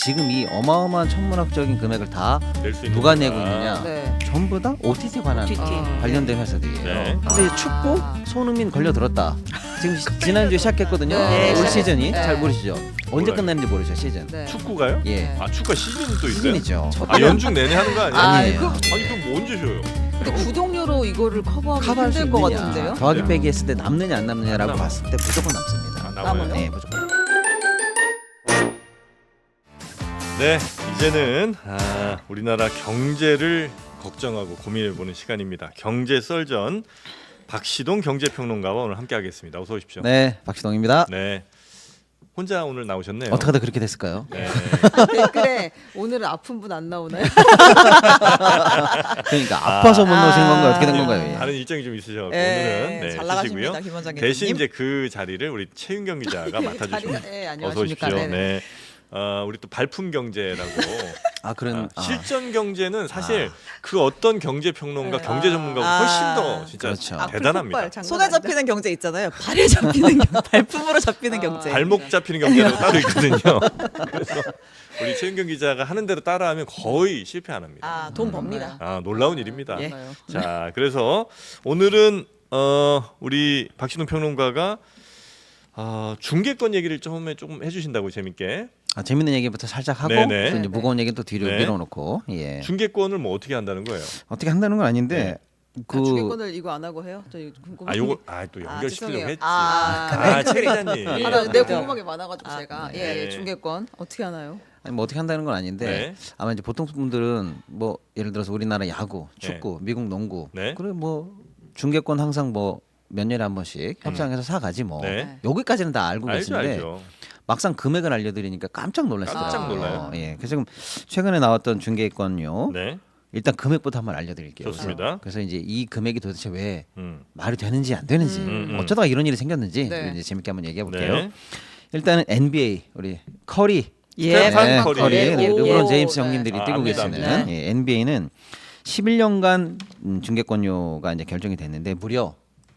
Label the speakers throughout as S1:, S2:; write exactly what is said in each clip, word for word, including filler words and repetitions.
S1: 지금 이 어마어마한 천문학적인 금액을 다
S2: 낼 수 있는
S1: 누가
S2: 거다.
S1: 내고 있느냐?
S3: 네.
S1: 전부 다 오티티 관한
S3: 오티티.
S4: 아.
S1: 관련된 회사들이에요.
S2: 네.
S1: 근데 축구 손흥민 걸려들었다. 지금 시- 지난주에 시작했거든요.
S3: 네,
S1: 올
S3: 시작했-
S1: 시즌이
S3: 네.
S1: 잘 모르시죠? 언제
S2: 몰라요.
S1: 끝나는지 모르죠 시즌.
S3: 네.
S2: 축구가요?
S1: 예.
S2: 아 축구가 시즌이 또 있어요?
S1: 시즌이죠.
S2: 아 연중 내내 하는 거 아니에요?
S3: 아,
S1: 아니에요.
S3: 그,
S2: 아니 그럼 뭐 언제 쉬어요?
S3: 근데 구독료로 이거를 커버하기
S1: 커버할 수
S3: 힘들 것
S1: 있느냐?
S3: 같은데요?
S1: 더하기
S2: 네.
S1: 빼기 했을 때 남느냐 안 남느냐라고
S2: 안 남아.
S1: 봤을 때 무조건 남습니다.
S2: 아, 남아요?
S3: 남아요?
S1: 네, 무조건.
S2: 네, 이제는 아, 우리나라 경제를 걱정하고 고민해보는 시간입니다. 경제 썰전 박시동 경제평론가와 오늘 함께하겠습니다. 어서 오십시오.
S1: 네, 박시동입니다.
S2: 네, 혼자 오늘 나오셨네요.
S1: 어떻게 하다 그렇게 됐을까요?
S2: 네.
S3: 댓글에 오늘은 아픈 분 안 나오나요?
S1: 그러니까 아파서 못 나오신 건가요? 어떻게 된
S3: 아.
S1: 건가요? 예.
S2: 다른 일정이 좀 있으셔서
S4: 예,
S2: 오늘은 네,
S4: 잘
S2: 쉬시고요.
S4: 나가십니다, 김 원장님.
S2: 대신 이제 그 자리를 우리 최윤경 기자가 맡아주십니다.
S3: 네,
S2: 어서
S3: 안녕하십니까.
S2: 오십시오.
S3: 네네.
S2: 네. 어, 우리 또 발품 경제라고
S1: 아 그런
S2: 아,
S1: 아,
S2: 실전 경제는 사실 그 어떤 경제 평론가,
S3: 네.
S2: 경제 전문가가
S4: 아.
S2: 훨씬 더 진짜
S1: 그렇죠.
S3: 악플
S2: 대단합니다.
S3: 폭발, 장난
S4: 손에
S3: 아니다.
S4: 잡히는 경제 있잖아요. 발에 잡히는 경, 발품으로 잡히는
S3: 아.
S4: 경제.
S2: 발목 잡히는 경제라고 따로 있거든요. 그래서 우리 최윤경 기자가 하는 대로 따라하면 거의 실패 안 합니다.
S4: 아, 돈 법니다.
S2: 아, 놀라운 일입니다.
S4: 예.
S3: 맞아요.
S2: 자, 그래서 오늘은 어, 우리 박신웅 평론가가 어, 중개권 얘기를 처음에 조금 해주신다고 재밌게.
S1: 아, 재밌는 얘기부터 살짝 하고
S2: 네네.
S1: 또 이제 무거운 얘기는 또 뒤로
S2: 네.
S1: 밀어놓고 예.
S2: 중개권을 뭐 어떻게 한다는 거예요?
S1: 어떻게 한다는 건 아닌데
S3: 그
S1: 그
S3: 주계권을 이거 안 하고 해요? 저 이거 궁금해.
S2: 아, 요거 아, 또
S3: 아,
S2: 연결시키려고
S3: 죄송해요.
S2: 했지.
S4: 아,
S2: 아, 최 기자님.
S3: 아,
S2: 예.
S3: 나, 내
S4: 그래요.
S3: 궁금한 게 많아가지고
S4: 아,
S3: 제가
S2: 네.
S3: 예, 예, 중계권 어떻게 하나요?
S1: 아니, 뭐 어떻게 한다는 건 아닌데
S2: 네.
S1: 아마 이제 보통 분들은 뭐 예를 들어서 우리나라 야구, 축구, 미국 농구
S2: 네.
S1: 그래 뭐 중계권 항상 뭐 몇 년에 한 번씩 협상해서 사가지 뭐
S2: 네.
S1: 여기까지는 다 알고
S2: 알죠,
S1: 계신데
S2: 알죠.
S1: 막상 금액을 알려드리니까 깜짝 놀랐어요.
S2: 깜짝 놀라요.
S1: 예, 그래서 지금 최근에 나왔던 중개권요.
S2: 네.
S1: 일단 금액부터 한번 알려드릴게요.
S2: 좋습니다.
S1: 그래서 이제 이 금액이 도대체 왜
S2: 음.
S1: 말이 되는지 안 되는지
S2: 음, 음.
S1: 어쩌다가 이런 일이 생겼는지
S3: 네.
S1: 이제 재밌게 한번 얘기해 볼게요.
S2: 네.
S1: 일단은 엔비에이 우리 커리,
S4: 예.
S2: 스테판 커리.
S1: 커리,
S3: 네.
S1: 르브론
S3: 오,
S1: 제임스
S3: 네.
S1: 형님들이
S2: 아,
S1: 뛰고
S2: 압니다,
S1: 계시는
S4: 압니다.
S1: 예, 엔비에이는 십일 년간 음, 중개권료가 이제 결정이 됐는데 무려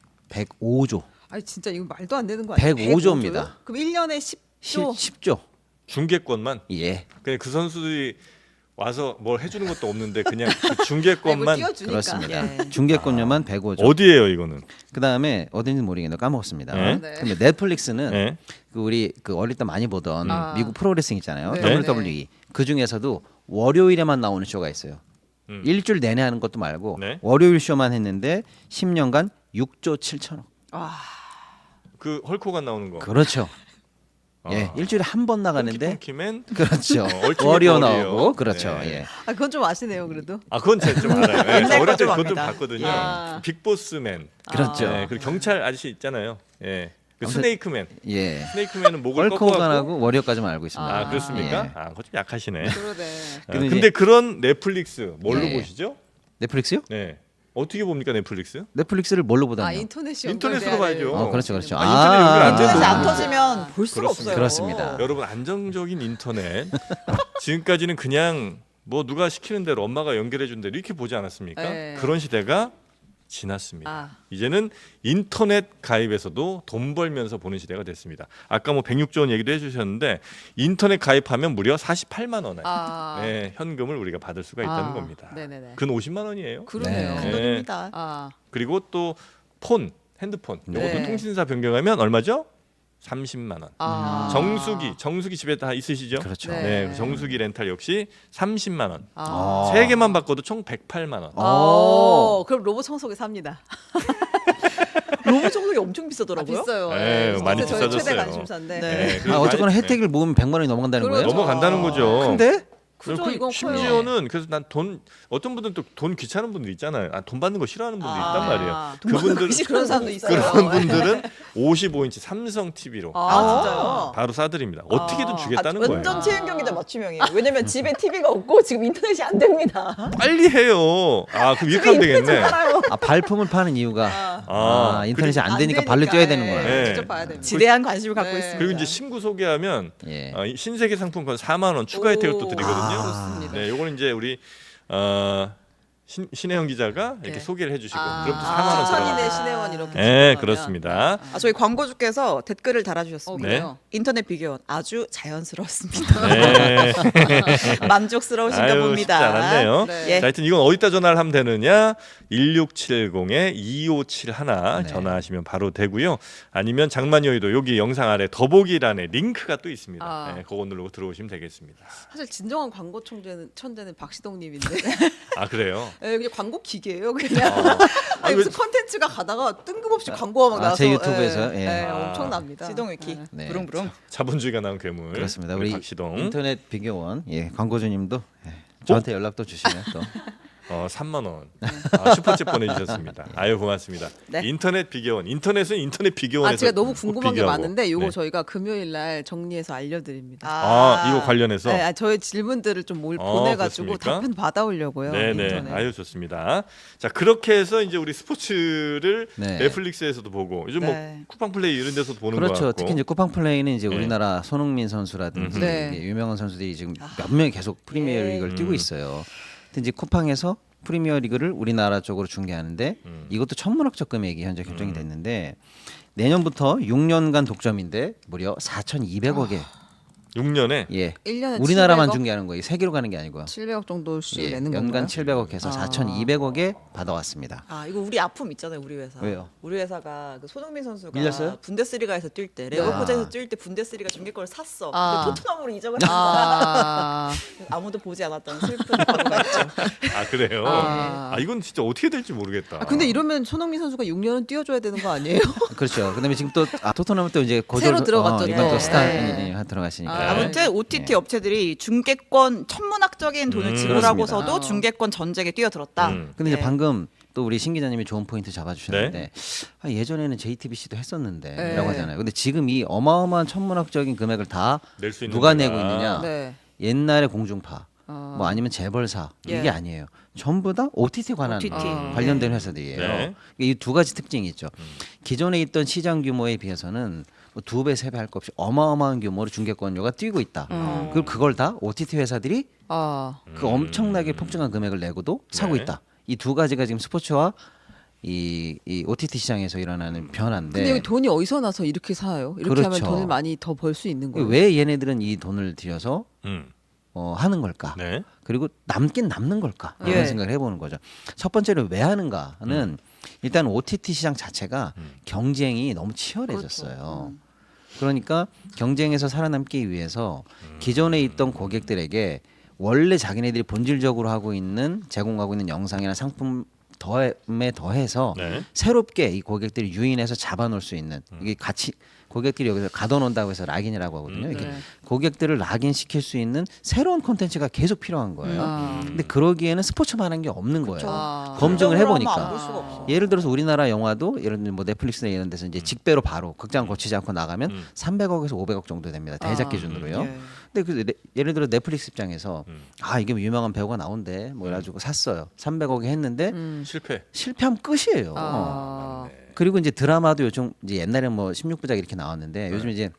S1: 백오조,
S3: 아니 진짜 이거 말도 안 되는 거 아니에요?
S1: 백오조입니다.
S3: 백오조요? 그럼 일 년에 십조?
S1: 십조.
S2: 중개권만
S1: 예,
S2: 그냥 그 선수들이 와서 뭘 해주는 것도 없는데 그냥 그
S3: 아니, 뭐
S2: 중개권만
S3: 띄워주니까.
S1: 그렇습니다.
S4: 예.
S1: 중개권료만 백오조.
S2: 어디예요 이거는?
S1: 그 다음에 어딘지 모르겠는데 까먹었습니다.
S2: 네.
S3: 네.
S1: 근데 넷플릭스는
S2: 네.
S1: 그 우리 그 어릴 때 많이 보던
S3: 아.
S1: 미국 프로레슬링 있잖아요.
S3: 네.
S1: 더블유더블유이. 그 중에서도 월요일에만 나오는 쇼가 있어요.
S2: 음.
S1: 일주일 내내 하는 것도 말고
S2: 네.
S1: 월요일 쇼만 했는데 십 년간 육조 칠천억.
S2: 그 헐코가 나오는 거.
S1: 그렇죠.
S2: 아.
S1: 예, 일주일에 한 번 나가는데
S2: 펑키맨.
S1: 그렇죠.
S2: 어, 얼티밋
S1: 월요
S2: 워리어.
S1: 나오고 그렇죠.
S2: 네.
S1: 예.
S3: 아 그건 좀 아시네요 그래도.
S2: 아 그건 제가 좀 알아요. 네,
S4: 옛날
S2: 어릴 때
S4: 거
S2: 그것도
S4: 좀 압니다.
S2: 봤거든요.
S3: 아.
S2: 빅보스맨.
S1: 그렇죠.
S2: 네, 그리고 경찰 아저씨 있잖아요. 예. 그
S1: 아무튼-
S2: 스네이크맨.
S1: 예.
S2: 스네이크맨은 목을 꺾어갖고.
S1: 월코간하고 월요까지만 알고 있습니다.
S2: 아 그렇습니까?
S1: 예.
S2: 아 그거 좀 약하시네.
S3: 그러네.
S2: 아,
S1: 근데
S2: 근데
S1: 이제-
S2: 그런 넷플릭스 뭘로
S1: 예.
S2: 보시죠?
S1: 넷플릭스요?
S2: 네. 어떻게 봅니까 넷플릭스?
S1: 넷플릭스를 뭘로
S3: 아
S1: 보다니요?
S3: 인터넷이
S2: 인터넷으로
S3: 연결돼야
S2: 봐야죠.
S3: 돼요.
S1: 어, 그렇죠, 그렇죠.
S2: 아, 인터넷 연결 안
S4: 인터넷이
S2: 돼도
S4: 안
S2: 되는데.
S4: 터지면 볼 수가
S2: 그렇습니다.
S4: 없어요.
S1: 그렇습니다.
S2: 여러분 안정적인 인터넷 지금까지는 그냥 뭐 누가 시키는 대로 엄마가 연결해 준 대로 이렇게 보지 않았습니까?
S3: 네.
S2: 그런 시대가 지났습니다.
S3: 아.
S2: 이제는 인터넷 가입에서도 돈 벌면서 보는 시대가 됐습니다. 아까 뭐 백육조 원 얘기도 해주셨는데 인터넷 가입하면 무려 사십팔만 원에
S3: 아.
S2: 네, 현금을 우리가 받을 수가 있다는
S3: 아.
S2: 겁니다.
S3: 네네네.
S2: 근 오십만 원이에요.
S3: 그러네요.
S1: 네.
S4: 큰 돈입니다.
S3: 아.
S2: 그리고 또 폰, 핸드폰 이것도
S3: 네.
S2: 통신사 변경하면 얼마죠? 삼십만 원.
S3: 아.
S2: 정수기, 정수기 집에 다 있으시죠?
S1: 그렇죠.
S3: 네.
S2: 네, 정수기 렌탈 역시 삼십만 원.
S3: 아.
S2: 세 개만 바꿔도 총 백팔만 원.
S3: 어. 그럼 로봇 청소기 삽니다.
S4: 로봇 청소기 엄청
S3: 아,
S4: 비싸더라고요.
S3: 비싸요.
S2: 네,
S3: 네,
S2: 많이
S3: 저희 최대
S2: 비싸졌어요.
S3: 관심사인데.
S4: 네.
S2: 그리고
S1: 아, 어쨌거나
S2: 많이-
S1: 혜택을 모으면 백만 원이 넘어간다는
S3: 그렇죠.
S1: 거예요?
S2: 넘어간다는 거죠.
S1: 근데
S3: 그죠
S2: 그
S3: 이건 커요.
S2: 심지어는 그래서 난 돈 어떤 분들은 또 돈 귀찮은 분들 있잖아요. 아, 돈 받는 거 싫어하는 분들
S4: 아,
S2: 있단 말이에요.
S3: 아.
S2: 그분들
S3: 그런 사람도 있어요.
S2: 그런 분들은 오십오 인치 삼성 티비로
S3: 아,
S4: 진짜요?
S2: 바로 사드립니다. 어떻게든
S3: 아.
S2: 주겠다는
S4: 아,
S2: 거예요.
S4: 완전 최윤경 기자 맞춤형이에요. 왜냐면 집에 티비가 없고 지금 인터넷이 안 됩니다.
S2: 빨리 해요. 아, 그 위약하면 되겠네.
S1: 아, 발품을 파는 이유가 아, 인터넷이 안
S3: 안
S1: 되니까
S3: 되니까,
S1: 발로 뛰어야 되는
S3: 예,
S1: 거예요.
S2: 네.
S3: 직접 봐야 됩니다.
S4: 지대한 관심을 갖고
S3: 네.
S4: 있습니다.
S2: 그리고 이제 신고 소개하면
S1: 예.
S2: 어, 이 신세계 상품권 사만 원 추가 혜택을 또
S3: 오.
S2: 드리거든요.
S3: 아, 좋습니다.
S2: 네, 요거는 이제 우리 어, 신, 신혜영 기자가 이렇게
S3: 네.
S2: 소개를 해주시고
S3: 아,
S2: 그럼 또 사만 원
S3: 추천이네
S2: 들어가요.
S3: 신혜원 이렇게.
S2: 네,
S3: 들어가면.
S2: 그렇습니다.
S4: 아, 저희 광고주께서 댓글을 달아주셨습니다.
S3: 어,
S2: 네.
S3: 그래요?
S4: 인터넷 비교원 아주 자연스러웠습니다.
S2: 네.
S4: 만족스러우신가
S2: 아유,
S4: 봅니다.
S2: 쉽지 않았네요.
S3: 네.
S4: 예.
S2: 자, 하여튼 이건 어디다 전화를 하면 되느냐? 일육칠공에 이오칠일
S1: 네.
S2: 전화하시면 바로 되고요. 아니면 장만여의도 여기 영상 아래 더보기란에 링크가 또 있습니다.
S3: 아.
S2: 네, 그거 누르고 들어오시면 되겠습니다.
S3: 사실 진정한 광고 천재는 천재는 박시동님인데.
S2: 아 그래요?
S3: 네, 그냥 광고 기계예요, 그냥.
S2: 어.
S3: 아니,
S2: 아,
S3: 무슨 컨텐츠가 가다가 뜬금없이 광고가 막
S1: 아,
S3: 나서.
S1: 제 유튜브에서요?
S3: 예,
S1: 예.
S3: 예,
S2: 아.
S3: 엄청납니다.
S4: 시동위키
S3: 네.
S1: 네.
S4: 부릉부릉.
S2: 자본주의가 나온 괴물.
S1: 그렇습니다. 우리
S2: 박시동
S1: 인터넷 비교원 예, 광고주님도 예, 저한테 연락도 주시면 또
S2: 어, 삼만 원 아, 슈퍼챗 보내주셨습니다. 아유 고맙습니다.
S4: 네.
S2: 인터넷 비교원 인터넷은 인터넷 비교원에서
S3: 아, 제가 너무 궁금한 게
S2: 비교하고.
S3: 많은데 요거
S2: 네.
S3: 저희가 금요일 날 정리해서 알려드립니다.
S2: 아, 이거 관련해서
S3: 네, 아, 저의 질문들을 좀 몰,
S2: 어,
S3: 보내가지고
S2: 그렇습니까?
S3: 답변 받아오려고요.
S2: 네네
S3: 인터넷.
S2: 아유 좋습니다. 자 그렇게 해서 이제 우리 스포츠를
S1: 네.
S2: 넷플릭스에서도 보고 요즘
S4: 네.
S2: 뭐 쿠팡 플레이 이런 데서도 보는 거
S1: 그렇죠.
S2: 같고
S1: 특히 이제 쿠팡 플레이는 이제
S2: 네.
S1: 우리나라 손흥민 선수라든지
S3: 네.
S1: 이제 유명한 선수들이 지금 몇 명이 계속 프리미어
S4: 예.
S1: 리그를 뛰고
S2: 음.
S1: 있어요. 근데 이제 쿠팡에서 프리미어 리그를 우리나라 쪽으로 중계하는데
S2: 음.
S1: 이것도 천문학적 금액이 현재 결정이
S2: 음.
S1: 됐는데 내년부터 육 년간 독점인데 무려 사천이백억에
S2: 육 년에
S1: 예.
S3: 일 년에
S1: 우리나라만
S3: 칠백억?
S1: 중계하는 거예요. 세계로 가는 게 아니고요.
S3: 칠백억 정도씩
S1: 예,
S3: 내는
S1: 연간
S3: 건가요?
S1: 칠백억 해서
S3: 아.
S1: 사천이백억에 받아왔습니다.
S4: 아 이거 우리 아픔 있잖아요 우리 회사.
S1: 왜요?
S4: 우리 회사가 그 손흥민 선수가
S1: 밀렸어요?
S4: 분데스리가에서 뛸 때
S1: 아.
S4: 레버쿠젠에서 뛸 때 분데스리가 중계권을 샀어.
S3: 아.
S4: 근데 토트넘으로 이적을 한 거야.
S3: 아,
S4: 아무도 보지 않았던 슬픈 과거가 있죠.
S2: 아 그래요.
S3: 아.
S2: 아, 이건 진짜 어떻게 될지 모르겠다.
S3: 아, 근데 이러면 손흥민 선수가 육 년은 뛰어줘야 되는 거 아니에요?
S1: 그렇죠. 그다음에 지금 또 아, 토트넘은 또 이제 고졸
S3: 새로 들어갔죠,
S1: 어, 이번
S4: 또.
S1: 또 스타
S3: 네.
S1: 이 들어가시니까.
S3: 아,
S4: 아무튼 오티티 업체들이 중계권 천문학적인 돈을
S2: 음,
S4: 지불하고서도
S3: 그렇습니다.
S4: 중계권 전쟁에 뛰어들었다.
S2: 음.
S1: 근데 이제
S4: 네.
S1: 방금 또 우리 신 기자님이 좋은 포인트 잡아주셨는데 아, 예전에는 제이티비씨도 했었는데라고
S3: 네.
S1: 하잖아요. 근데 지금 이 어마어마한 천문학적인 금액을 다
S2: 낼 수 있는
S1: 누가
S2: 데가.
S1: 내고 있느냐?
S3: 네.
S1: 옛날에 공중파
S3: 어.
S1: 뭐 아니면 재벌사
S4: 예.
S1: 이게 아니에요. 전부 다 오티티 관한
S4: 오티티.
S1: 어,
S3: 아.
S1: 관련된 회사들이에요.
S2: 네.
S1: 이 두 가지 특징이 있죠. 기존에 있던 시장 규모에 비해서는 뭐 두 배, 세 배 할 것 없이 어마어마한 규모로 중계권료가 뛰고 있다.
S3: 음.
S1: 그리고 그걸 다 오티티 회사들이
S3: 아,
S1: 그 엄청나게 폭증한 금액을 내고도 사고
S2: 네.
S1: 있다. 이 두 가지가 지금 스포츠와 이, 이 오티티 시장에서 일어나는 변화인데
S3: 근데 여기 돈이 어디서 나서 이렇게 사요? 이렇게
S1: 네. 그렇죠.
S3: 하면 돈을 많이 더 벌 수 있는 거예요.
S1: 왜 얘네들은 이 돈을 들여서
S2: 음.
S1: 어, 하는 걸까?
S2: 네.
S1: 그리고 남긴 남는 걸까?
S4: 예.
S1: 이런 생각을 해보는 거죠. 첫 번째로 왜 하는가는 일단 오티티 시장 자체가
S2: 음.
S1: 경쟁이 너무 치열해졌어요.
S3: 그렇죠. 음.
S1: 그러니까 경쟁에서 살아남기 위해서 기존에 있던 고객들에게 원래 자기네들이 본질적으로 하고 있는 제공하고 있는 영상이나 상품 더에 더해서
S2: 네.
S1: 새롭게 이 고객들이 유인해서 잡아놓을 수 있는 이게 같이 고객들이 여기서 가둬놓는다고 해서 락인이라고 하거든요.
S2: 음,
S1: 이게
S3: 네.
S1: 고객들을 락인 시킬 수 있는 새로운 콘텐츠가 계속 필요한 거예요.
S3: 아.
S1: 근데 그러기에는 스포츠만한 게 없는 거예요.
S3: 아.
S1: 검증을 해보니까.
S4: 안볼 수가 없어.
S1: 예를 들어서 우리나라 영화도 예를 들면 뭐 넷플릭스나 이런 데서 이제 직배로 바로 극장 거치지 않고 나가면
S2: 음.
S1: 삼백억에서 오백억 정도 됩니다. 대작
S3: 아,
S1: 기준으로요.
S4: 예.
S1: 근데 그 네- 예를 들어 넷플릭스 입장에서
S2: 음.
S1: 아 이게 유명한 배우가 나온대 뭐 해가지고 샀어요. 삼백억에 했는데
S3: 음.
S2: 실패.
S1: 실패하면 끝이에요.
S3: 아.
S1: 그리고 이제 드라마도 요즘 이제 옛날에 뭐 십육 부작 이렇게 나왔는데 요즘 이제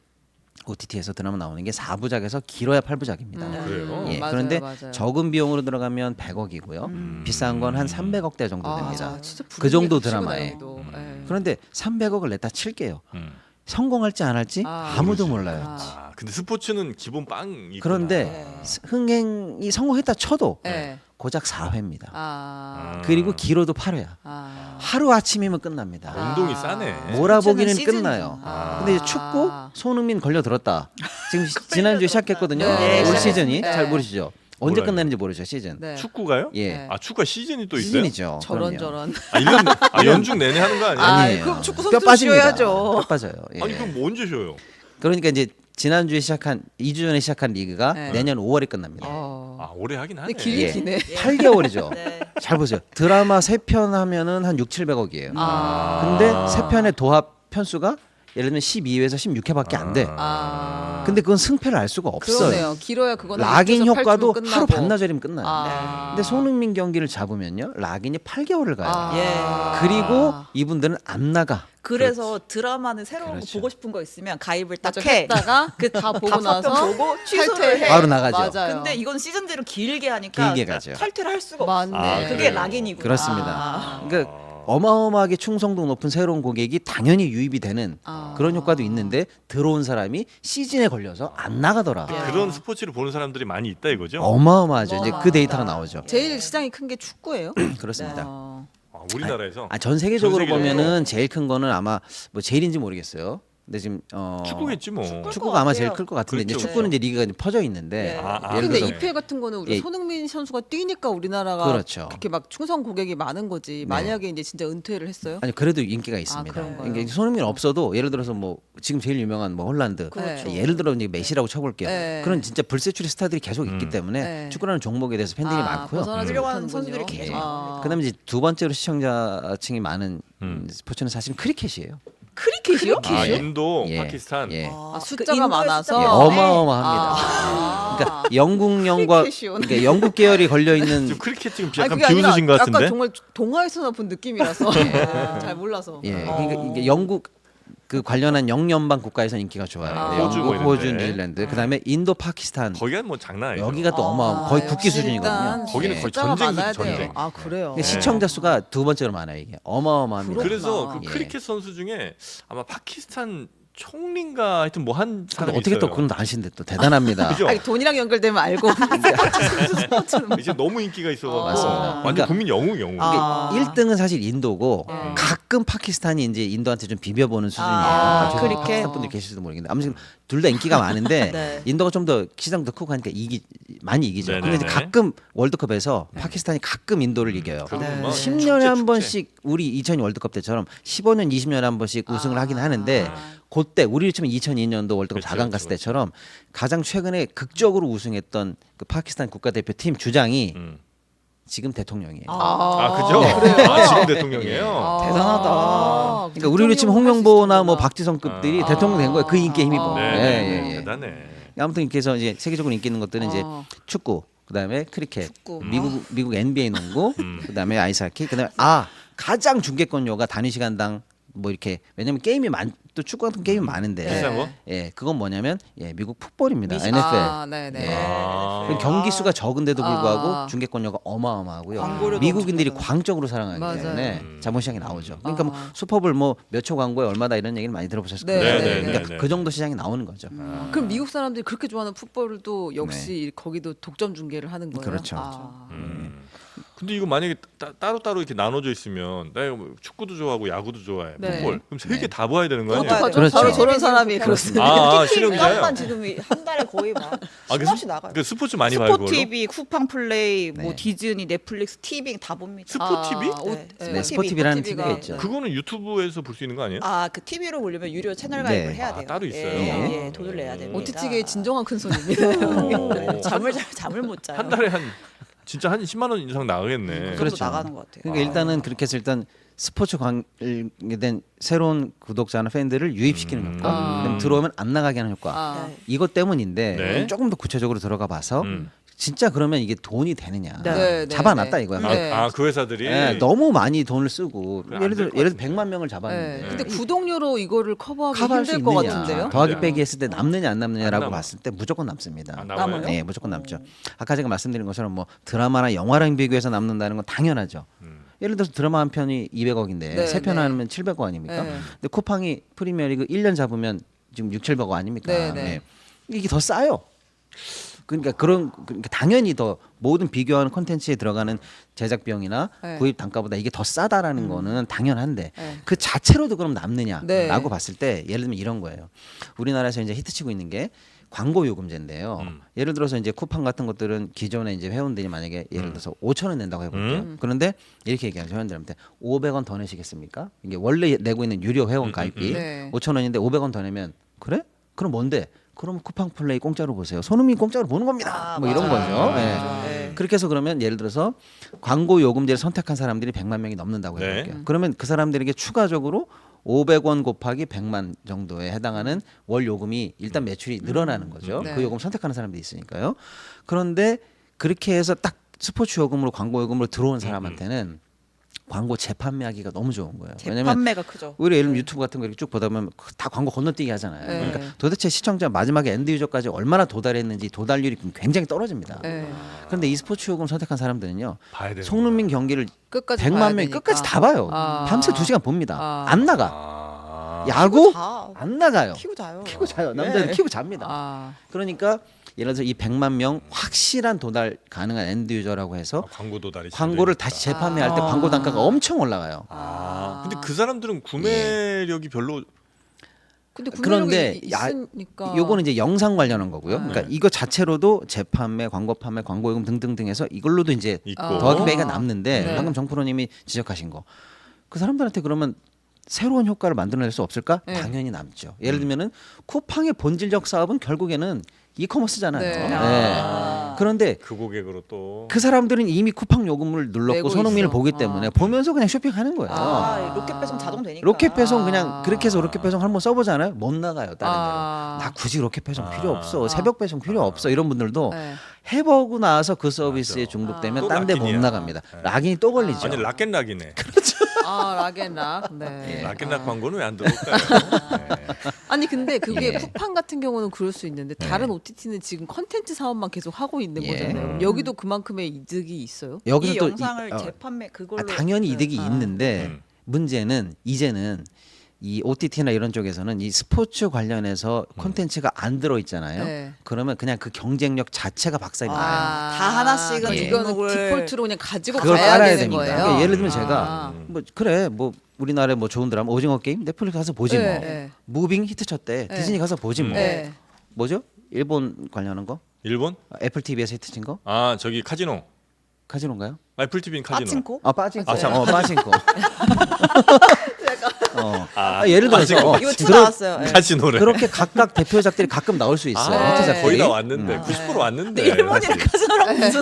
S1: 오티티에서 드라마 나오는 게 사 부작에서 길어야 팔 부작입니다.
S3: 음.
S2: 그래요?
S1: 예,
S3: 맞아요,
S1: 그런데
S3: 맞아요.
S1: 적은 비용으로 들어가면 백억이고요. 비싼 건 한 삼백억대 정도 됩니다.
S3: 아, 진짜
S1: 그 정도
S3: 분위기가
S1: 드라마에.
S3: 치고 다니기도. 예.
S1: 그런데 삼백억을 냈다 칠게요.
S2: 음.
S1: 성공할지 안 할지
S3: 아,
S1: 아, 무도
S2: 모르지.
S1: 몰라요.
S3: 아.
S2: 아, 근데 스포츠는 기본 빵이
S1: 그런데 스- 흥행이 성공했다 쳐도
S3: 예.
S1: 고작 사 회입니다.
S3: 아.
S1: 그리고 길어도 팔 회야.
S3: 아.
S1: 하루 아침이면 끝납니다.
S2: 운동이
S3: 아.
S2: 싸네.
S1: 몰아보기는
S4: 시즌.
S1: 끝나요.
S3: 아.
S1: 근데 이제 축구 손흥민 걸려 들었다. 지금 시- 지난주에 시작했거든요.
S3: 네,
S1: 올
S4: 시작했습니다.
S1: 시즌이
S3: 네.
S1: 잘 모르시죠? 언제
S2: 몰라요.
S1: 끝나는지 모르죠 시즌.
S3: 네.
S2: 축구가요?
S1: 예.
S3: 네.
S2: 아 축구가 시즌이 또 있어요?
S1: 시즌이죠.
S3: 저런
S1: 그럼요.
S3: 저런.
S2: 아, 일 년, 아 연중 내내 하는 거 아니에요?
S3: 아,
S1: 아니에요.
S3: 그럼 축구
S1: 뼈
S3: 선수
S1: 빠집니다.
S3: 쉬어야죠.
S1: 뼈 빠져요. 예.
S2: 아니 그럼 뭐 언제 쉬어요?
S1: 그러니까 이제 지난주에 시작한 이 주 전에 시작한 리그가
S3: 네.
S1: 내년 오월에 끝납니다.
S3: 어.
S2: 아 오래 하긴 하네.
S3: 근데 길게
S1: 예.
S3: 기네.
S1: 팔 개월이죠.
S4: 네.
S1: 잘 보세요. 드라마 세 편 하면은 한 육, 칠백억이에요.
S3: 아.
S1: 근데 세 편의 도합 편수가 예를 들면 십이 회에서 십육 회밖에 안 돼.
S3: 아.
S1: 근데 그건 승패를 알 수가 없어요.
S3: 그러네요. 길어야 그거는
S1: 락인
S3: 육에서 팔
S1: 효과도
S3: 주면
S1: 하루
S3: 끝나고.
S1: 반나절이면 끝나요.
S3: 아.
S1: 근데 손흥민 경기를 잡으면요, 락인이 팔 개월을 가요.
S3: 아.
S4: 예.
S1: 그리고 이분들은 안 나가.
S4: 그래서 드라마는 새로운
S1: 그렇죠.
S4: 거 보고 싶은 거 있으면 가입을 딱
S3: 맞아,
S4: 해.
S3: 했다가 그 다 보고
S4: 다섯
S3: 나서
S4: 편 보고 취소를
S3: 탈퇴해.
S4: 해.
S1: 바로 나가죠.
S3: 맞아요.
S4: 근데 이건 시즌제로 길게 하니까
S1: 길게 가죠.
S4: 탈퇴를 할 수가
S3: 맞네.
S4: 없어.
S2: 아,
S4: 그게
S2: 그래요?
S4: 락인이구나.
S1: 그렇습니다.
S4: 아.
S1: 그러니까 어마어마하게 충성도 높은 새로운 고객이 당연히 유입이 되는
S3: 아.
S1: 그런 효과도 있는데 들어온 사람이 시즌에 걸려서 안 나가더라.
S4: 예.
S2: 그런 스포츠를 보는 사람들이 많이 있다 이거죠.
S1: 어마어마하죠. 이제 그
S4: 어마어마하다.
S1: 데이터가 나오죠.
S3: 제일 시장이 큰 게 축구예요.
S1: 그렇습니다.
S3: 어.
S2: 아, 우리나라에서
S1: 아, 전 세계적으로
S2: 전 세계적으로.
S1: 보면은 제일 큰 거는 아마 뭐 제일인지 모르겠어요. 근데 지금 어
S2: 축구겠지 뭐.
S4: 축구.
S1: 축구가 아마
S4: 같아요.
S1: 제일 클 것 같은데 이제
S2: 그렇죠,
S1: 축구는 이제 리그가 이제 퍼져 있는데
S4: 네.
S2: 아, 아,
S1: 예를
S3: 근데
S1: 들어서
S3: 이피엘 같은 거는 우리가
S1: 예.
S3: 손흥민 선수가 뛰니까 우리나라가
S1: 그렇죠.
S3: 그렇게 막 충성 고객이 많은 거지. 만약에 이제 진짜 은퇴를 했어요?
S1: 아니 그래도 인기가 있습니다.
S3: 그런 거요?
S1: 그러니까 손흥민 없어도 예를 들어서 뭐 지금 제일 유명한 뭐 홀란드
S3: 그렇죠.
S1: 예를 들어 이제 메시라고 쳐볼게요.
S3: 네.
S1: 그런 진짜 불세출의 스타들이 계속 있기
S2: 음.
S1: 때문에
S3: 네.
S1: 축구라는 종목에 대해서 팬들이
S3: 아,
S1: 많고요.
S3: 벗어나지
S4: 훌륭한
S3: 못하는군요.
S4: 선수들이 계속
S3: 아.
S1: 그다음에 이제 두 번째로 시청자층이 많은
S2: 음.
S1: 스포츠는 사실 크리켓이에요.
S4: 크리켓이요?
S2: 아, 인도,
S1: 예.
S2: 파키스탄.
S1: 예.
S3: 아,
S4: 그
S3: 숫자가
S4: 인도의
S3: 많아서
S4: 숫자가
S1: 예,
S4: 많네.
S1: 어마어마합니다.
S3: 아.
S1: 그러니까 영국령과
S3: 크리켓이요.
S1: 그러니까 영국 계열이 걸려 있는
S2: 지금 크리켓 지금
S3: 아니,
S2: 약간
S3: 그게 아니라
S2: 비웃으신 것 같은데.
S3: 약간 정말 동화에서나 본 느낌이라서 잘 몰라서.
S1: 예,
S4: 어.
S1: 그러니까 이게 영국 그 관련한 영연방 국가에서 인기가 좋아요.
S3: 아.
S1: 영국,
S2: 호주 뭐
S1: 호주,
S2: 이런데.
S1: 뉴질랜드, 그다음에 인도, 파키스탄
S2: 거기가 뭐 장난 아니죠.
S1: 여기가 또
S3: 아,
S1: 어마어마 거의 국기
S3: 역시
S1: 수준이거든요.
S3: 일단
S2: 거기는 거의
S3: 숫자가
S2: 전쟁이죠,
S3: 많아야
S2: 전쟁.
S3: 돼요. 아 그래요.
S1: 그러니까 시청자 수가 두 번째로 많아요 이게 어마어마합니다.
S3: 그렇구나.
S2: 그래서 그
S1: 예.
S2: 크리켓 선수 중에 아마 파키스탄 총리인가 하여튼 뭐 한
S1: 근데
S2: 사람이
S1: 어떻게 또
S2: 있어요.
S1: 그건 아신데 또 대단합니다.
S2: 그죠?
S3: 아니, 돈이랑 연결되면 알고 스포츠는
S2: 이제 너무 인기가 있어서
S1: 맞습니다.
S2: 완전
S1: 그러니까
S2: 국민 영웅 영웅.
S4: 아.
S1: 일 등은 사실 인도고
S3: 네.
S1: 가끔 파키스탄이 이제 인도한테 좀 비벼보는 수준이에요.
S4: 아,
S1: 아,
S4: 크리켓.
S1: 파키스탄 분들 계실지도 모르겠는데 아무튼 둘 다 인기가 많은데
S4: 네.
S1: 인도가 좀 더 시장도 크고 하니까 이기 많이 이기죠.
S2: 네네네.
S1: 근데 이제 가끔 월드컵에서 파키스탄이 가끔 인도를 이겨요.
S2: 그건
S4: 네.
S2: 뭐
S1: 십 년에 한
S2: 축제,
S1: 번씩 우리 이천이 월드컵 때처럼 십오 년, 이십 년에 한 번씩 우승을
S3: 아.
S1: 하긴 하는데 그때 우리로 치면 이천이 년도 월드컵
S2: 그렇죠,
S1: 사 강
S2: 그렇죠,
S1: 갔을 때처럼 가장 최근에 극적으로 우승했던 그 파키스탄 국가대표팀 주장이
S2: 음.
S1: 지금 대통령이에요.
S2: 아 그죠?
S3: 그래요?
S2: 아, 지금 대통령이에요.
S3: 아,
S4: 대단하다.
S1: 그러니까 우리로 치면 홍명보나 뭐 박지성급들이
S2: 아.
S1: 대통령 된 거예요. 그 인기에 힘입어.
S3: 아.
S2: 네,
S1: 예,
S2: 네,
S1: 예, 예.
S2: 대단해.
S1: 아무튼 이렇게 해서 이제 세계적으로 인기 있는 것들은 이제
S3: 아.
S1: 축구, 그다음에 크리켓,
S3: 축구.
S1: 미국 미국 엔비에이 농구,
S2: 음.
S1: 그다음에 아이스하키, 그다음에 아 가장 중계권료가 단위 시간당 뭐 이렇게 왜냐면 게임이 많 또 축구 같은 게임이 많은데
S2: 비싼 거?
S1: 예 그건 뭐냐면 예 미국 풋볼입니다.
S4: 미식-
S1: 엔에프엘.
S3: 아, 네네.
S1: 예.
S2: 아.
S1: 그 경기 수가 적은데도 불구하고
S3: 아.
S1: 중계권료가 어마어마하고요.
S4: 광고료도
S1: 미국인들이
S4: 엄청
S1: 광적으로 사랑하기
S3: 맞아요.
S1: 때문에
S2: 음.
S1: 자본시장이 나오죠. 그러니까 뭐
S3: 아.
S1: 슈퍼볼 뭐 몇 초 광고에 얼마다 이런 얘기를 많이 들어보셨을
S3: 네,
S1: 거예요.
S3: 네, 네,
S1: 그러니까
S2: 네, 네.
S1: 그 정도 시장이 나오는 거죠.
S3: 그럼 미국 사람들이 그렇게 좋아하는 풋볼도 역시 거기도 독점 중계를 하는 거예요.
S1: 그렇죠.
S3: 아.
S2: 음. 근데 이거 만약에 따, 따로 따로 이렇게 나눠져 있으면 내가 뭐 축구도 좋아하고 야구도 좋아해
S3: 네.
S2: 풋볼 그럼 세 개 다 봐야 되는 거 아니에요?
S3: 어떡하죠?
S1: 그렇죠.
S3: 바로 저런 사람이 그렇습니다.
S2: 아, 아
S4: 티비
S2: 실력 기자요?
S4: 값만 지금 한 달에 거의 막
S2: 아, 그
S4: 수없이
S2: 스-
S4: 나가요.
S2: 그 스포츠 많이 봐요 그걸로?
S4: 스포티비, 쿠팡 플레이, 뭐
S1: 네.
S4: 디즈니, 넷플릭스, 티빙 다 봅니다.
S2: 스포티비?
S3: 아, 옷,
S4: 네.
S1: 네, 스포티비라는
S3: 스포티비가-
S1: 티비가 있죠.
S2: 그거는 유튜브에서 볼 수 있는 거 아니에요?
S4: 아, 그 티비로 보려면 유료 채널 가입을
S1: 네.
S4: 해야
S2: 아,
S4: 돼요.
S2: 따로 있어요?
S4: 예, 예, 돈을 내야 됩니다.
S3: 오티티계의 진정한 큰 손입니다.
S2: 오.
S4: 잠을 잘 잠을 못 자요.
S2: 한 달에 한 진짜 한 십만 원 이상 나가겠네.
S4: 그 정도
S1: 그렇죠.
S4: 나가는 것 같아요.
S1: 그러니까 일단은 그렇게 해서 일단 스포츠 관계된 새로운 구독자나 팬들을 유입시키는
S2: 음.
S1: 효과,
S3: 아.
S1: 그다음에 들어오면 안 나가게 하는 효과.
S3: 아.
S4: 네.
S1: 이것 때문인데
S2: 네.
S1: 조금 더 구체적으로 들어가 봐서
S2: 음.
S1: 진짜 그러면 이게 돈이 되느냐
S4: 네.
S3: 네, 네,
S1: 잡아놨다
S3: 네.
S1: 이거야.
S2: 아,
S3: 네.
S2: 아, 그 회사들이
S1: 예, 너무 많이 돈을 쓰고
S2: 그래, 안
S1: 예를 들어
S2: 될것
S1: 예를 들어
S2: 같은데.
S1: 백만 명을
S3: 네.
S1: 잡았는데
S3: 근데 구독료로 이거를 커버하기
S1: 커버할 수
S3: 힘들 것
S1: 있느냐
S3: 같은데요.
S1: 더하기
S2: 네.
S1: 빼기 했을 때 남느냐 안 남느냐라고
S2: 안 남아.
S1: 봤을 때 무조건 남습니다.
S2: 아, 남아요?
S4: 남아요?
S1: 네, 무조건 남죠. 아까 제가 말씀드린 것처럼 뭐 드라마나 영화랑 비교해서 남는다는 건 당연하죠.
S2: 음.
S1: 예를 들어서 드라마 한 편이 이백억인데
S3: 네,
S1: 세 편
S3: 네.
S1: 하면 칠백억 아닙니까?
S3: 네.
S1: 근데 쿠팡이 프리미어리그 일 년 잡으면 지금 육칠백억 아닙니까?
S3: 네, 네.
S1: 이게 더 싸요. 그러니까 그런 그러니까 당연히 더 모든 비교하는 콘텐츠에 들어가는 제작 비용이나
S3: 네.
S1: 구입 단가보다 이게 더 싸다라는 거는 당연한데
S3: 네.
S1: 그 자체로도 그럼 남느냐라고
S3: 네.
S1: 봤을 때 예를 들면 이런 거예요. 우리나라에서 이제 히트치고 있는 게 광고 요금제인데요.
S2: 음.
S1: 예를 들어서 이제 쿠팡 같은 것들은 기존에 이제 회원들이 만약에 예를 들어서 오천 원 낸다고 해볼게요.
S2: 음.
S1: 그런데 이렇게 얘기하죠. 회원들한테 오백 원 더 내시겠습니까? 이게 원래 내고 있는 유료 회원 가입비
S3: 네.
S1: 오천 원인데 오백 원 더 내면 그래? 그럼 뭔데? 그럼 쿠팡 플레이 공짜로 보세요. 손흥민 공짜로 보는 겁니다.
S4: 아,
S1: 뭐 이런
S4: 맞아요.
S1: 거죠.
S4: 맞아요.
S1: 예.
S4: 맞아요. 네.
S1: 그렇게 해서 그러면 예를 들어서 광고 요금제를 선택한 사람들이 백만 명이 넘는다고
S2: 네.
S1: 해볼게요. 그러면 그 사람들에게 추가적으로 오백 원 곱하기 백만 정도에 해당하는 월 요금이 일단 매출이 늘어나는 거죠.
S3: 네.
S1: 그 요금 선택하는 사람들이 있으니까요. 그런데 그렇게 해서 딱 스포츠 요금으로 광고 요금으로 들어온 사람한테는 광고 재판매하기가 너무 좋은 거예요. 왜냐면
S4: 재판매가 크죠.
S1: 우리 예를 들면 유튜브 같은 거 이렇게 쭉 보다 보면 다 광고 건너뛰기 하잖아요.
S3: 네.
S1: 그러니까 도대체 시청자 마지막에 엔드 유저까지 얼마나 도달했는지 도달률이 굉장히 떨어집니다.
S3: 네.
S1: 그런데 이 스포츠 요금 선택한 사람들은요.
S2: 봐야 되는
S1: 손흥민 경기를
S3: 끝까지
S1: 백만
S3: 봐야
S1: 명이
S3: 되니까.
S1: 끝까지 다 봐요.
S3: 아.
S1: 밤새 두 시간 봅니다.
S3: 아.
S1: 안 나가.
S2: 아.
S1: 야구
S4: 자.
S1: 안 나가요.
S4: 키고 자요.
S1: 키고 자요. 남자는
S4: 네.
S1: 키고 잡니다.
S3: 아.
S1: 그러니까 예를 들어서 이 백만 명 확실한 도달 가능한 엔드 유저라고 해서
S2: 아, 광고 도달이
S1: 광고를
S2: 되니까.
S1: 다시 재판매할 때
S3: 아.
S1: 광고 단가가 엄청 올라가요.
S2: 아, 근데 그 사람들은 구매력이 별로
S3: 근데
S1: 그런데
S3: 구매력이
S1: 야-
S3: 있으니까.
S1: 요거는 이제 영상 관련한 거고요.
S3: 네.
S1: 그러니까 이거 자체로도 재판매, 광고 판매, 광고 요금 등등등 해서 이걸로도 이제
S2: 있고
S3: 아.
S1: 더하기 빼기가 남는데
S3: 네.
S1: 방금 정프로님이 지적하신 거. 그 사람들한테 그러면 새로운 효과를 만들어낼 수 없을까?
S3: 네.
S1: 당연히 남죠. 예를 들면은 쿠팡의 본질적 사업은 결국에는 이커머스잖아요.
S3: 네.
S1: 네.
S4: 아.
S1: 그런데
S2: 그 고객으로 또
S1: 그 사람들은 이미 쿠팡 요금을 눌렀고
S3: 내고
S1: 손흥민을
S3: 있어.
S1: 보기
S3: 아.
S1: 때문에 보면서 그냥 쇼핑하는 거예요.
S4: 아, 로켓 배송 자동 되니까.
S1: 로켓 배송 그냥
S3: 아.
S1: 그렇게 해서 로켓 배송 한번 써보잖아요. 못 나가요 다른
S3: 아.
S1: 데로. 나 굳이 로켓 배송 필요
S2: 아.
S1: 없어. 새벽 배송 필요 없어. 이런 분들도
S3: 네.
S1: 해보고 나서 그 서비스에
S2: 맞아.
S1: 중독되면
S2: 또
S1: 딴 데 못
S2: 락인이야.
S1: 나갑니다.
S2: 네.
S1: 락인이 또 걸리죠.
S2: 아니 락앤락이네.
S3: 아 락앤락. 네.
S1: 예.
S2: 락앤락
S3: 아.
S2: 광고는 왜 안 들어올까요? 네.
S3: 아니 근데 그게
S1: 예.
S3: 쿠팡 같은 경우는 그럴 수 있는데 다른 오티티는 지금 컨텐츠 사업만 계속 하고 있는
S1: 예.
S3: 거잖아요.
S2: 음.
S3: 여기도 그만큼의 이득이 있어요.
S1: 여기서
S4: 이
S1: 또
S4: 영상을
S1: 이- 어,
S4: 재판매 그걸로
S1: 아, 당연히 이득이
S3: 아.
S1: 있는데
S2: 음.
S1: 문제는 이제는 이 오티티나 이런 쪽에서는 이 스포츠 관련해서 콘텐츠가 안 들어 있잖아요.
S3: 네.
S1: 그러면 그냥 그 경쟁력 자체가 박살이 나요.
S4: 아. 다 하나씩은
S3: 그러니까
S1: 예.
S3: 이거는
S4: 등록을-
S3: 디폴트로 그냥 가지고
S1: 그걸
S3: 가야
S1: 깔아야
S3: 되는
S1: 됩니다.
S3: 거예요.
S1: 그러니까 예를 들면
S3: 아.
S1: 제가 뭐 그래 뭐 우리나라에 뭐 좋은 드라마 오징어 게임 넷플릭스 가서 보지
S3: 네,
S1: 뭐.
S3: 네.
S1: 무빙 히트 쳤대.
S3: 네.
S1: 디즈니 가서 보지 뭐.
S3: 네.
S1: 뭐죠? 일본 관련한 거?
S2: 일본?
S1: 아, 애플 티비에서 히트 친 거?
S2: 아 저기 카지노.
S1: 카지노인가요?
S2: 애플 티비는 카지노.
S4: 빠친코?
S1: 아 빠진코.
S2: 아, 참.
S1: 어 빠진코. 어.
S2: 아,
S1: 아, 예를 들어서
S2: 빠진코.
S1: 어,
S4: 이거 투
S1: 그러-
S4: 나왔어요. 예.
S2: 카지노래.
S1: 그렇게 각각 대표작들이 가끔 나올 수 있어요.
S2: 아,
S1: 히트작들이.
S2: 거의 다 왔는데
S1: 음.
S2: 구십 퍼센트 왔는데.
S4: 일본이랑
S2: 사실.
S4: 카지노랑 무슨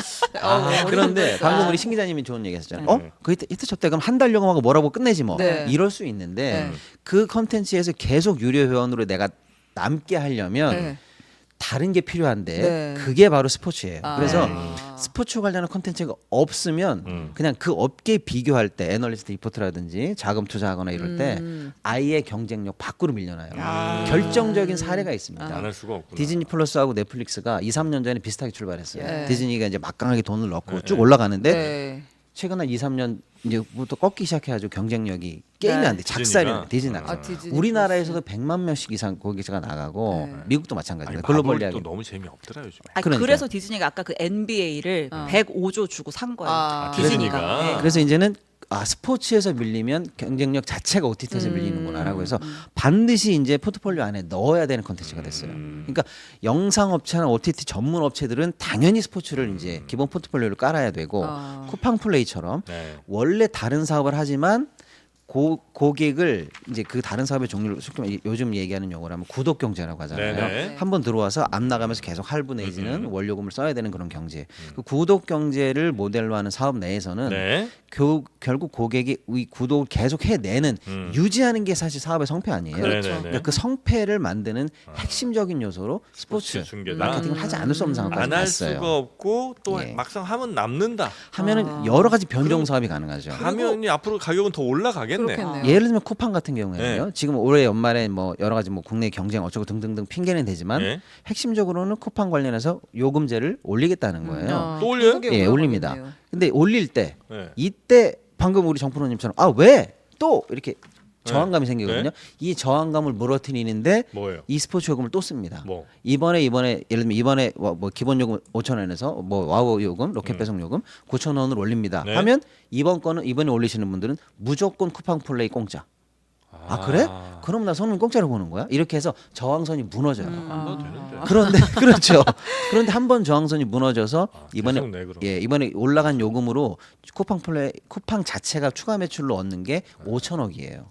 S1: 아, 그런데 방금 우리 신 기자님이 좋은 얘기 하셨잖아요. 어?
S2: 네.
S1: 그 히트, 히트 쳤대 그럼 한 달 요금하고 뭐라고 끝내지 뭐.
S3: 네.
S1: 이럴 수 있는데
S3: 네.
S1: 그 컨텐츠에서 계속 유료 회원으로 내가 남게 하려면
S3: 네.
S1: 다른 게 필요한데
S3: 네.
S1: 그게 바로 스포츠예요.
S3: 아.
S1: 그래서
S3: 음.
S1: 스포츠 관련한 컨텐츠가 없으면
S2: 음.
S1: 그냥 그 업계 비교할 때 애널리스트 리포트라든지 자금 투자하거나 이럴 때
S3: 음.
S1: 아예 경쟁력 밖으로 밀려나요.
S4: 아.
S1: 결정적인 사례가 있습니다.
S2: 안 할 수가 없구나.
S1: 디즈니 플러스하고 넷플릭스가 이, 삼 년 전에 비슷하게 출발했어요.
S3: 예.
S1: 디즈니가 이제 막강하게 돈을 넣고
S2: 네,
S1: 쭉
S2: 네.
S1: 올라가는데
S3: 네.
S1: 최근 한 이, 삼 년 이제부터 꺾기 시작해가지고 경쟁력이 게임이
S4: 네.
S1: 안 돼. 작살이
S2: 디즈니가?
S1: 나. 디즈니
S2: 아,
S1: 나.
S3: 디즈니
S1: 우리나라에서도 백만 명씩 이상 고객자가 나가고
S3: 네.
S1: 미국도
S2: 아니,
S1: 마찬가지입니다. 글로벌
S2: 마블도
S1: 이야기.
S2: 너무 재미없더라 요즘에.
S4: 아니,
S1: 그러니까.
S4: 그래서 디즈니가 아까 그 엔비에이를
S3: 어.
S4: 백오조 주고 산 거예요.
S3: 아,
S4: 디즈니가.
S2: 디즈니가.
S4: 네.
S1: 그래서 이제는 아 스포츠에서 밀리면 경쟁력 자체가 오티티에서
S3: 음.
S1: 밀리는구나라고 해서 반드시 이제 포트폴리오 안에 넣어야 되는 컨텐츠가 됐어요. 그러니까 영상 업체나 오티티 전문 업체들은 당연히 스포츠를 이제 기본 포트폴리오를 깔아야 되고
S3: 아.
S1: 쿠팡 플레이처럼
S2: 네.
S1: 원래 다른 사업을 하지만 고, 고객을 이제 그 다른 사업의 종류를 쉽게 말해 요즘 얘기하는 용어로 하면 구독 경제라고 하잖아요.
S2: 네네.
S1: 한 번 들어와서 안 나가면서 계속 할부 내지는
S2: 음.
S1: 원료금을 써야 되는 그런 경제. 그 구독 경제를 모델로 하는 사업 내에서는
S2: 네.
S1: 교, 결국 고객이 이 구독을 계속 해내는
S2: 음.
S1: 유지하는 게 사실 사업의 성패 아니에요.
S3: 그렇죠.
S2: 네네네.
S1: 그러니까 그 성패를 만드는 핵심적인 요소로 스포츠
S2: 중계다.
S1: 마케팅을 하지 않을 수 없는 상황까지
S2: 안 할
S1: 갔어요.
S2: 수가 없고 또
S1: 예.
S2: 막상 하면 남는다.
S1: 하면은
S3: 아.
S1: 여러 가지 변종 사업이 가능하죠.
S2: 하면이 앞으로 가격은 더 올라가겠네.
S3: 그렇겠네요.
S1: 예를 들면 쿠팡 같은 경우에는요.
S2: 네.
S1: 지금 올해 연말에 뭐 여러 가지 뭐 국내 경쟁 어쩌고 등등등 핑계는 되지만
S2: 예.
S1: 핵심적으로는 쿠팡 관련해서 요금제를 올리겠다는 거예요.
S3: 아,
S2: 또 올려요?
S3: 한국에
S1: 예, 올립니다.
S3: 올라가겠네요.
S1: 근데 올릴 때
S2: 네.
S1: 이때 방금 우리 정프로님처럼 아 왜 또 이렇게 저항감이 생기거든요.
S2: 네.
S1: 이 저항감을 물어트리는데
S2: 뭐예요?
S1: 이 스포츠 요금을 또 씁니다.
S2: 뭐?
S1: 이번에 이번에 예를 들면 이번에 뭐, 뭐 기본 요금 오천 원에서 뭐 와우 요금, 로켓
S2: 음.
S1: 배송 요금 구천 원을 올립니다.
S2: 네.
S1: 하면 이번 거는 이번에 올리시는 분들은 무조건 쿠팡 플레이 공짜. 아, 그래? 그럼 나 손은 공짜로 보는 거야? 이렇게 해서 저항선이 무너져요.
S2: 안 봐도 되는데.
S1: 그런데 그렇죠. 그런데 한 번 저항선이 무너져서 이번에
S2: 계속 내, 그럼.
S1: 예 이번에 올라간 요금으로 쿠팡 플레이 쿠팡 자체가 추가 매출로 얻는 게 오천억이에요.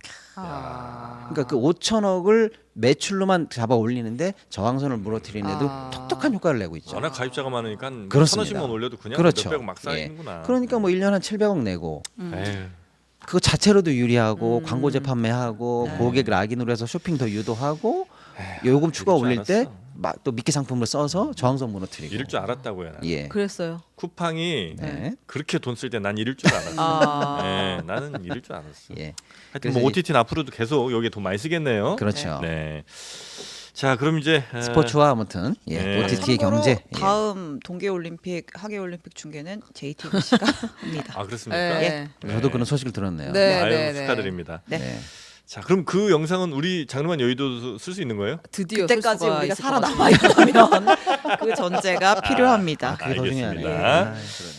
S3: 아.
S1: 그러니까 그 오천억을 매출로만 잡아 올리는데 저항선을 무너뜨리는데도
S3: 아.
S1: 톡톡한 효과를 내고 있죠.
S2: 워낙 가입자가 많으니까 한
S1: 그렇습니다.
S2: 천원씩만 올려도 그냥
S1: 그렇죠.
S2: 몇백억 막
S1: 예.
S2: 쌓이는구나.
S1: 그러니까 뭐 일 년 한 칠백억 내고
S2: 에휴.
S1: 그 자체로도 유리하고
S3: 음.
S1: 광고제 판매하고
S3: 네.
S1: 고객 락인으로 해서 쇼핑 더 유도하고 요금 추가
S2: 이럴 줄
S1: 올릴 때
S2: 알았어.
S1: 또 미끼 상품을 써서 저항성 무너뜨리고.
S2: 이럴 줄 알았다고요. 나는.
S1: 예.
S3: 그랬어요.
S2: 쿠팡이
S1: 네.
S2: 그렇게 돈 쓸 때 난 이럴 줄 알았어.
S3: 아.
S2: 네, 나는 이럴 줄 알았어.
S1: 예.
S2: 하여튼
S1: 그래서
S2: 뭐
S1: 이-
S2: 오티티는 앞으로도 계속 여기에 돈 많이 쓰겠네요.
S1: 그렇죠.
S2: 네. 자, 그럼 이제 에,
S1: 스포츠와 아무튼 예.
S2: 네.
S1: 오티티의
S4: 참고로
S1: 경제. 예.
S4: 다음 동계올림픽, 하계올림픽 중계는 제이티비씨가 합니다.
S2: 아 그렇습니까?
S3: 네.
S1: 저도 그런 소식을 들었네요.
S3: 네.
S2: 아유, 축하드립니다.
S4: 네.
S1: 네.
S2: 자, 그럼 그 영상은 우리 장르만 여의도 쓸 수 있는 거예요?
S3: 드디어
S4: 그때까지
S3: 쓸 수가
S4: 우리가
S3: 있을 것 같아요.
S4: 살아남아 있다면 그 전제가 필요합니다.
S1: 그게 더 중요하네.
S2: 알겠습니다.
S1: 아,